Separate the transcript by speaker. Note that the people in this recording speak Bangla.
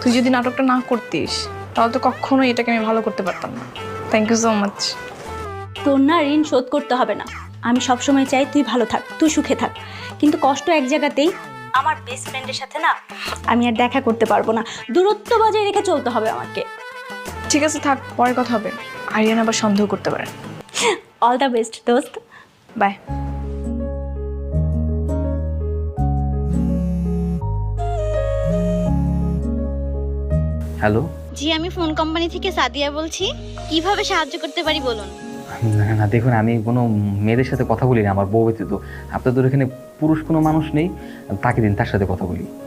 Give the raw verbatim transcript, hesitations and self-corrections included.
Speaker 1: তুই যদি নাটকটা না করতিস তাহলে তো কখনো এটাকে আমি ভালো করতে পারতাম না। Thank you so much.
Speaker 2: তোর না ঋণ শোধ করতে হবে না। আমি সবসময় চাই তুই ভালো থাক, তুই সুখে থাক, কিন্তু কষ্ট এক জায়গাতেই। আমার বেস্ট ফ্রেন্ডের সাথে না আমি আর দেখা করতে পারবো না, দূরত্ব বজায় রেখে চলতে হবে আমাকে।
Speaker 1: ঠিক আছে থাক, পরে কথা হবে। আরিয়ান আবার সন্দেহ করতে পারে।
Speaker 2: অল দ্য বেস্ট দোস্ত।
Speaker 1: বাই।
Speaker 3: হ্যালো।
Speaker 4: জি, আমি ফোন কোম্পানি থেকে সাদিয়া বলছি। কিভাবে সাহায্য করতে পারি বলুন।
Speaker 3: না না দেখুন, আমি কোনো মেয়েদের সাথে কথা বলি না, আমার বউ ব্যতীত। আপনাদের এখানে পুরুষ কোনো মানুষ নেই, তাকে দিন, তার সাথে কথা বলি।